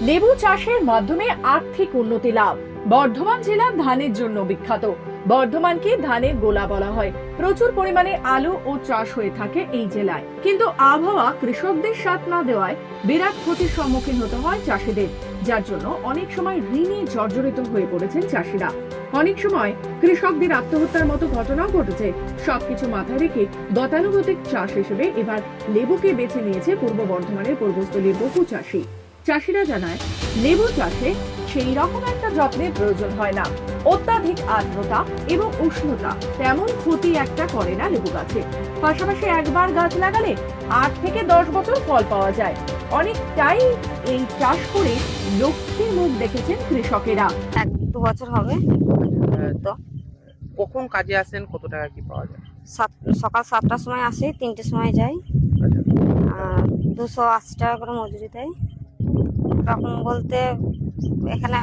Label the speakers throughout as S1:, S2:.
S1: লেবু চাষের মাধ্যমে আর্থিক উন্নতি লাভ। বর্ধমান জেলা ধানের জন্য বিখ্যাত। বর্ধমানকে ধানের গোলা বলা হয়। প্রচুর পরিমাণে আলু ও চাষ হয়ে থাকে এই জেলায়, কিন্তু আবহাওয়া কৃষকদের সাথ না দেওয়ায় বিরাট ক্ষতির সম্মুখীন হতে হয় চাষিদের, যার জন্য অনেক সময় ঋণে জর্জরিত হয়ে পড়েছেন চাষিরা। অনেক সময় কৃষকদের আত্মহত্যার মতো ঘটনাও ঘটেছে। সবকিছু মাথায় রেখে গতানুগতিক চাষ হিসেবে এবার লেবুকে বেছে নিয়েছে পূর্ব বর্ধমানের পূর্বস্থলীর বহু চাষি। চাষিরা জানায়, লেবু চাষে সেই রকম একটা যত্নের প্রয়োজন হয় না। অত্যাধিক আর্দ্রতা এবং উষ্ণতা তেমন ক্ষতি একটা করে না লেবু গাছে। পাশাপাশি একবার গাছ লাগালে 8 থেকে 10 বছর ফল পাওয়া যায়। অনেকটাই এই চাষ করে লক্ষ্মীর মুখ দেখেছেন কৃষকেরা।
S2: 1-2 বছর হবে। তো
S3: কখন কাজে আসেন, কত টাকা কি পাওয়া যায়?
S2: সকাল 7টার সময় আসি, 3টের সময় যাই। আর 280 টাকা করে মজুরি দেয়। তখন বলতে এখানে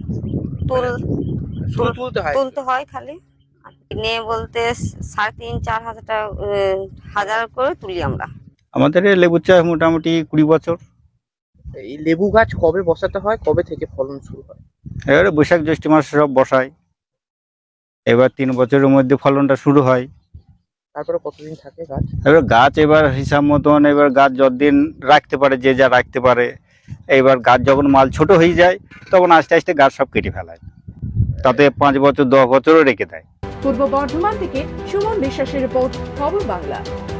S3: শুধু তুলতে হয়?
S2: খালি। আর কিনে বলতে 3,500-4 হাজার টাকা হাজার করে তুলি আমরা।
S4: আমাদের এই লেবু চাষ মোটামুটি 20 বছর।
S3: এই লেবু গাছ কবে বসাতে হয়, কবে থেকে ফলন শুরু হয়?
S4: এবারে বৈশাখ জ্যৈষ্ঠ মাসে সব বসায়। এবার 3 বছরের মধ্যে ফলনটা শুরু হয়।
S3: তারপরে কতদিন থাকে গাছ?
S4: এবার গাছ এবার হিসাব মতন এবার গাছ যতদিন রাখতে পারে, যে যা রাখতে পারে। এবার গাছ যখন মাল ছোট হয়ে যায় তখন আস্তে আস্তে গাছ সব কেটে ফেলায়, তাতে 5 বছর 10 বছরও রেখে দেয়।
S1: পূর্ব বর্ধমান থেকে সুমন বিশ্বাসের রিপোর্ট, খবর বাংলা।